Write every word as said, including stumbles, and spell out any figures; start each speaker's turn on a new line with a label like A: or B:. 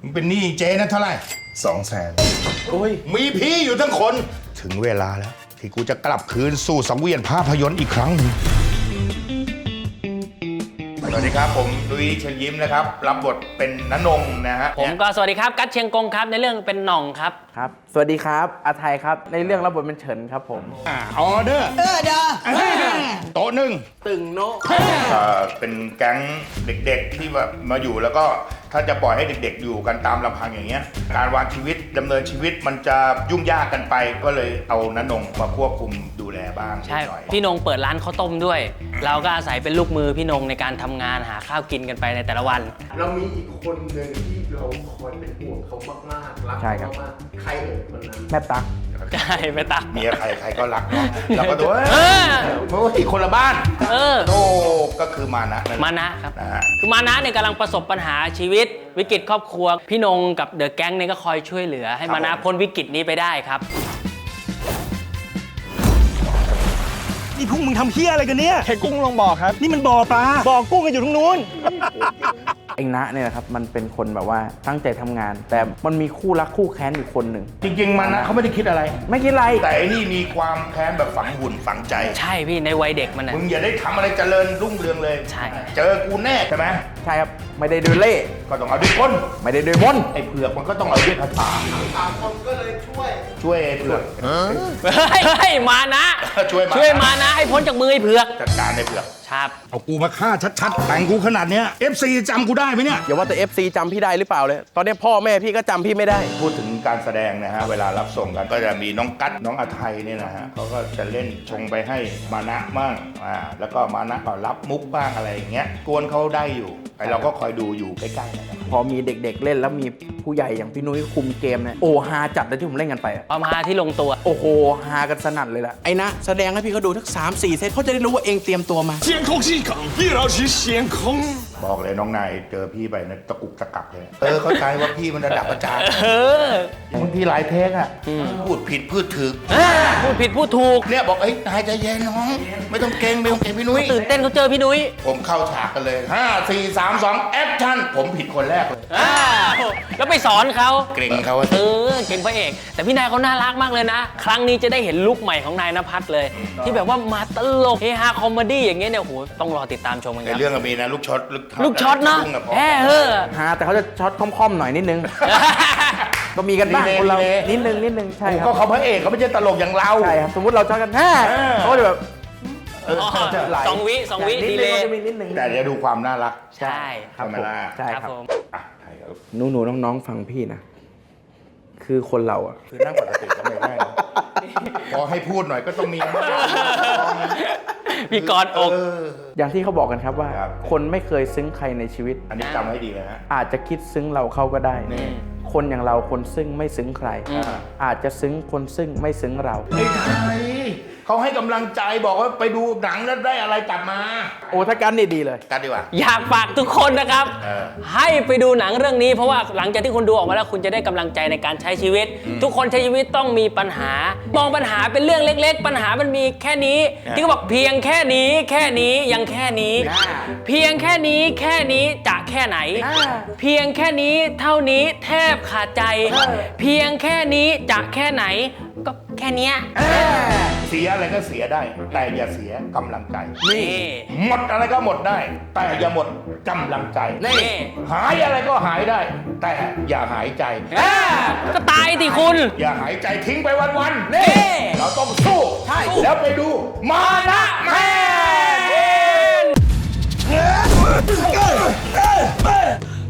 A: มันเป็นหนี้เจ๊นะเท่าไหร่สองแสนโอ้ยมีพี่อยู่ทั้งคนถึงเวลาแล้วที่กูจะกลับคืนสู่สังเวียนภาพยนตร์อีกครั้งหนึ่งสวัสดีครับผมลุยเชิญยิ้มนะครับรับบทเป็นณนงนะฮะ
B: ผมก็สวัสดีครับกัตเชียงกงครับในเรื่องเป็นหน่องครับ
C: ครับสวัสดีครับอาไทยครับในเรื่องรับบทเป็นเฉินครับผม
A: อ่าออเดอร์เออเด้อโต๊ะหนึ่ง
C: ตึงโน
A: เป็นแก๊งเด็กๆที่แบบมาอยู่แล้วก็ถ้าจะปล่อยให้เด็กๆอยู่กันตามลำพังอย่างเงี้ยการวางชีวิตดำเนินชีวิตมันจะยุ่งยากกันไปก็เลยเอาณนงมาควบคุมดูแลบ้าง
B: ใช่พี่นงเปิดร้านข้าวต้มด้วยเราก็อาศัยเป็นลูกมือพี่นงในการทำงานหาข้าวกินกันไปในแต่ละวัน
D: เรามีอีกคนหนึ่งที่เราคอยเป็นห่วงเขามากๆรักเขามากใครเอ่ยคนนั้น
C: แม่ตั๊ก
B: ใช่แม่ตั๊ก
A: เมียใครใครก็รักเนาะเราก็ดูเพราะว่าอีกคนละบ้าน
B: เออ
A: โอ้ก็คือมานะ
B: มานะครับคือมานะเนี่ยกำลังประสบปัญหาชีวิตวิกฤตครอบครัวพี่นงกับเดอะแก๊งเนี่ยก็คอยช่วยเหลือให้มานะพ้นวิกฤตนี้ไปได้ครับ
E: นี่พวกมึงทำเฮี้ยอะไรกันเนี่ยแค่กุ้งลงบ่อครับนี่มันบ่อปลาบ่อกุ้งกันอยู่ตรงนู้น
C: เองนะเนี่ยนะครับมันเป็นคนแบบว่าตั้งใจทำงานแต่มันมีคู่รักคู่แค้นอยู่คนหนึ่ง
A: จริงๆมันนะเขาไม่ได้คิดอะไร
C: ไม่คิดอะไร
A: แต่อันนี้มีความแค้นแบบฝังหุ่นฝังใจ
B: ใช่พี่ในวัยเด็กมันนะ
A: มึงอย่าได้ทำอะไรเจริญรุ่งเรืองเลย
B: ใช่
A: เจอกูแน่ใช่ไหม
C: ใช่ครับไม่ได้ด้วยเล่
A: ก็ต้องเอาด้วยกล
C: ไม่ได้ด้วยมน
A: ไอ้เผือกมันก็ต้องเอาด้วยคาถา
D: สามคนก็เลยช่วย
A: ช่วยเผือก
B: เฮ้ยมานะ
A: ช่วย
B: ช่วยมานะให้พ้นจากมือไอ้เผือก
A: จัดการไอ้เผือก
B: ครับ
A: เอากูมาฆ่าชัดๆแต่งกูขนาดเนี้ย เอฟ ซี จำกูได้ไหมเนี่ย
C: อย่าว่าแต่ เอฟ ซี จำพี่ได้หรือเปล่าเลยตอนนี้พ่อแม่พี่ก็จำพี่ไม่ได้
A: พูดถึงการแสดงนะฮะเวลารับส่งกันก็จะมีน้องกั๊ดน้องอาไทยเนี่ยนะฮะเขาก็จะเล่นชงไปให้มานะบ้างอ่าแล้วก็มานะก็รับมุกบ้างอะไรอย่างเงี้ยกวนเขาได้อยู่ไอเราก็คอยดูอยู่ใกล้ๆนะครับ
C: พอมีเด็กๆเล่นแล้วมีผู้ใหญ่อย่างพี่นุ้ยคุมเกมเนี่ยโอ้ฮาจัดเลยที่ผมเล่นกันไป
B: ความฮาที่ลงตัว
C: โอ้โหฮากันสนั่นเลยล่ะ
F: ไอ้นะแสดงให้พี่เขาดูทั้งสามสี่เซตเขาจะได้รู้ว่าเองเตรียมตัวมา
E: เสียงคงที่ขังพี่เราชี้เสียงคง
A: บอกเลยน้องนายเจอพี่ไปนะตะกุกตะกักเลยเออเข้าใจว่าพี่มันระดับอาจารย์บางทีหลายเทคอะพูดผิดพูดถูก
B: พูดผิดพูดถูก
A: เนี่ยบอกเอ้ยนายใจเย็นน้องไม่ต้องเก่งไม่ต้องเก่งพี่นุ้ย
B: ตื่นเต้นเขาเจอพี่นุ้ย
A: ผมเข้าฉากกันเลยห้า สี่ สาม สองแอคชั่นผมผิดคนแรกเลย
B: แล้วไปสอนเขา
A: เก่งเขา
B: เออเก่งพระเอกแต่พี่นายเขาน่ารักมากเลยนะครั้งนี้จะได้เห็นลุคใหม่ของนายณภัทรเลยที่แบบว่ามาตลกเฮฮาคอมเมดี้อย่างเงี้ยเนี่ยโหต้องรอติดตามชมกันครับ
A: ในเรื่องก็มีนะลูกช็อต
B: ลูกช็อตเนาะแฮ่เฮ้อ
C: ฮาแต่เขาจะช็อตค่อมๆหน่อยนิดนึงก็มีกันบ้างคนเรานิดนึงนิดนึงใช่ครับ
A: ก็เขาพระเอกเขาไม่ใช่ตลกอย่างเรา
C: ใช่ครับสมมติเราช็อตกันแฮ่เขาจะแบบ
B: สองวิสองวิดีเลย
A: แต่จะดูความน่ารัก
B: ใช่
A: ครับ
C: ใช่ครับหนูหนูน้องๆฟังพี่นะคือคนเราอ่ะ
A: คือนั่งปกติก็ไม่ได้พอให้พูดหน่อยก็ต้องมี
B: มีกอดอก
C: อย่างที่เขาบอกกันครับว่าคนไม่เคยซึ้งใครในชีวิต
A: อันนี้จำให้ดีเลยฮะ
C: อาจจะคิดซึ้งเราเข้าก็ได้คนอย่างเราคนซึ้งไม่ซึ้งใครอาจจะซึ้งคนซึ้งไม่ซึ้งเรา
A: ไม่ใช่เขาให้กำลังใจบอกว่าไปดูหนังแล้วได้อะไรกลับมา
C: โอ้ถ้ากันนี่ดีเลย
A: กันดีกว่า
B: อยากฝากทุกคนนะครับให้ไปดูหนังเรื่องนี้เพราะว่าหลังจากที่คุณดูออกมาแล้วคุณจะได้กำลังใจในการใช้ชีวิตทุกคนใช้ชีวิตต้องมีปัญหามองปัญหาเป็นเรื่องเล็กๆปัญหามันมีแค่นี้ที่เขาบอกเพียงแค่นี้แค่นี้ยังแค่นี้เพียงแค่นี้แค่นี้จะแค่ไหนเพียงแค่นี้เท่านี้แทบขาดใจเพียงแค่นี้จะแค่ไหนก็แค่นี้
A: เสียอะไรก็เสียได้แต่อย่าเสียกำลังใจ
B: นี่
A: หมดอะไรก็หมดได้แต่อย่าหมดกำลังใจ
B: นี่
A: หายอะไรก็หายได้แต่อย่าหายใจ
B: ก็ตายสิคุณ
A: อย่าหายใจทิ้งไปวันๆนี่เราต้องสู้ใช่แล้วไปดูมานะแมน